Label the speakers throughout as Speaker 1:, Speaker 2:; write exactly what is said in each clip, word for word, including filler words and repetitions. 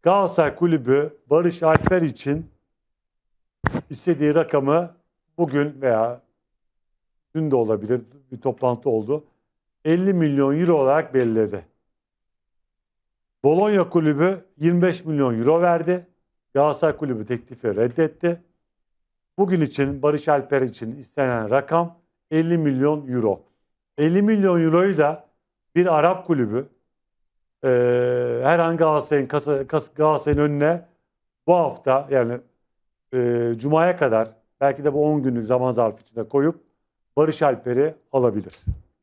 Speaker 1: Galatasaray Kulübü Barış Alper için istediği rakamı bugün veya dün de olabilir, bir toplantı oldu, elli milyon euro olarak belirledi. Bologna Kulübü yirmi beş milyon euro verdi. Galatasaray Kulübü teklifi reddetti. Bugün için Barış Alper için istenen rakam elli milyon euro. elli milyon euroyu da bir Arap kulübü e, her an Galatasaray'ın Galatasaray'ın önüne bu hafta, yani e, Cuma'ya kadar, belki de bu on günlük zaman zarfı içinde koyup Barış Alper'i alabilir.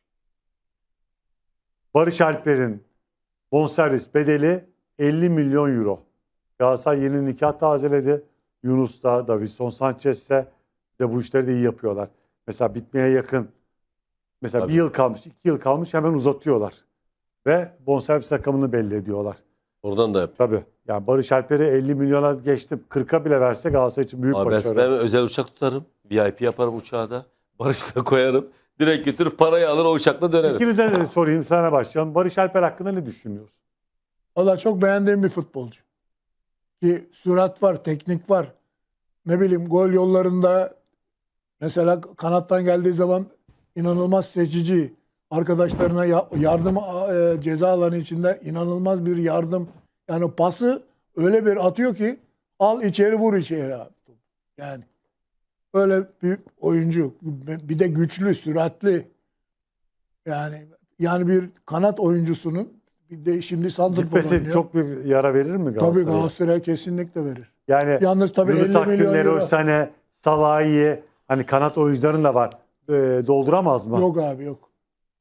Speaker 1: Barış Alper'in bonservis bedeli elli milyon euro. Galatasaray yeni nikah tazeledi. Yunus da, Davinson Sanchez de bu işleri de iyi yapıyorlar. Mesela bitmeye yakın. Mesela
Speaker 2: Tabii.
Speaker 1: bir yıl kalmış, iki yıl kalmış, hemen uzatıyorlar. Ve bonservis rakamını belli ediyorlar.
Speaker 2: Oradan da yapıyor.
Speaker 1: Tabii. Yani Barış Alper'i elli milyona geçtim, kırka bile verse Galatasaray için büyük
Speaker 2: Abi
Speaker 1: başarı.
Speaker 2: ben özel uçak tutarım. V I P yaparım uçağa da. Barış'ta koyarım. Direkt götürüp parayı alır, o uçakla dönerim.
Speaker 1: İkinize de sorayım, sana başlayalım. Barış Alper hakkında ne düşünüyorsun?
Speaker 3: Valla çok beğendiğim bir futbolcu. Ki sürat var, teknik var. Ne bileyim, gol yollarında mesela kanattan geldiği zaman inanılmaz seçici. Arkadaşlarına ya- yardım e, ceza alanı içinde inanılmaz bir yardım. Yani pası öyle bir atıyor ki al içeri, vur içeri abi. Yani öyle bir oyuncu. Bir de güçlü, süratli. Yani yani bir kanat oyuncusunun, bir de şimdi santrfor
Speaker 1: Gitmesi
Speaker 3: oynuyor.
Speaker 1: çok bir yara verir mi
Speaker 3: Tabii
Speaker 1: Galatasaray'a?
Speaker 3: Galatasaray'a kesinlikle verir.
Speaker 1: Yani
Speaker 3: Yalnız tabii
Speaker 1: Yunus
Speaker 3: elli
Speaker 1: Akgün,
Speaker 3: milyon
Speaker 1: Leroy
Speaker 3: euro.
Speaker 1: Sané, Salah'ı, hani kanat oyuncuların da var. Ee, dolduramaz mı?
Speaker 3: Yok abi yok.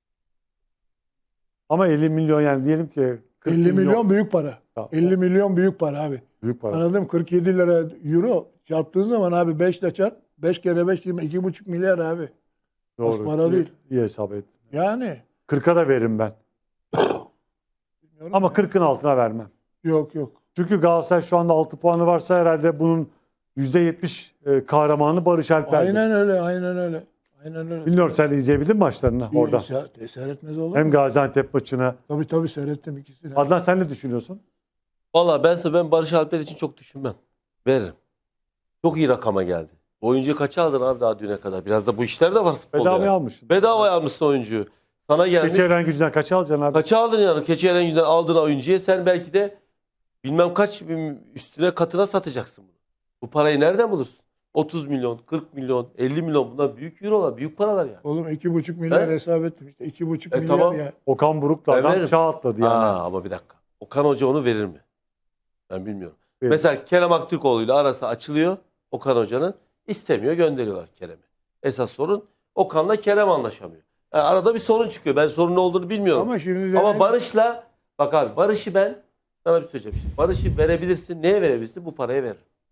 Speaker 1: Ama elli milyon, yani diyelim ki kırk
Speaker 3: elli milyon büyük para.
Speaker 1: Ya,
Speaker 3: elli milyon büyük para abi.
Speaker 1: büyük para.
Speaker 3: Anladım, kırk yedi lira euro çarptığın zaman abi beş ile çarp. beş kere beş yirmi iki buçuk milyar abi.
Speaker 1: Doğru.
Speaker 3: az para
Speaker 1: İyi-
Speaker 3: değil.
Speaker 1: İyi hesap et.
Speaker 3: Yani.
Speaker 1: kırka da veririm ben.
Speaker 3: Bilmiyorum
Speaker 1: Ama
Speaker 3: ya.
Speaker 1: kırkın altına vermem.
Speaker 3: Yok yok.
Speaker 1: Çünkü Galatasaray şu anda altı puanı varsa herhalde bunun yüzde yetmiş e, kahramanı Barış Alper'dir.
Speaker 3: Aynen öyle, aynen öyle. Aynen öyle.
Speaker 1: Bilmiyorum, sen de izleyebildin mi maçlarını
Speaker 3: İyi,
Speaker 1: orada?
Speaker 3: se- Seyretmez olur
Speaker 1: Hem
Speaker 3: mu?
Speaker 1: Gaziantep maçını.
Speaker 3: Tabii tabii seyrettim ikisini.
Speaker 1: Adnan, sen ne düşünüyorsun?
Speaker 2: Valla bense ben Barış Alper için çok düşünmem. Veririm. Çok iyi rakama geldi. Oyuncuyu kaça aldın abi daha düne kadar? Biraz da bu işler de var futbolda.
Speaker 1: Bedavaya
Speaker 2: yani.
Speaker 1: almışsın.
Speaker 2: Bedavaya almışsın oyuncuyu. Sana gelmiş.
Speaker 1: Keçiören Gücü'nden kaça alacaksın abi?
Speaker 2: Kaça aldın yani? Keçiören Gücü'nden aldığın oyuncuya sen belki de bilmem kaç üstüne katına satacaksın bunu. Bu parayı nereden bulursun? otuz milyon, kırk milyon, elli milyon, bunlar büyük eurolar, büyük paralar yani.
Speaker 3: Oğlum iki buçuk milyar
Speaker 2: He?
Speaker 3: hesap ettim işte. iki buçuk
Speaker 2: E,
Speaker 3: milyar
Speaker 2: tamam.
Speaker 3: ya.
Speaker 1: Okan Buruk'la
Speaker 2: Ben
Speaker 1: adam
Speaker 2: veririm.
Speaker 1: çağ atladı yani.
Speaker 2: Aa, ama bir dakika. Okan Hoca onu verir mi? Ben bilmiyorum.
Speaker 1: Verir.
Speaker 2: Mesela Kerem Aktürkoğlu'yla arası açılıyor Okan Hoca'nın. İstemiyor, gönderiyorlar Kerem'i. Esas sorun Okan'la Kerem anlaşamıyor. Yani arada bir sorun çıkıyor. Ben sorun ne olduğunu bilmiyorum.
Speaker 3: Ama şimdi
Speaker 2: Ama
Speaker 3: de-
Speaker 2: Barış'la, bak abi, Barış'ı ben sana bir söyleyeceğim. Şimdi Barış'ı verebilirsin. Neye verebilirsin? Bu paraya veririm.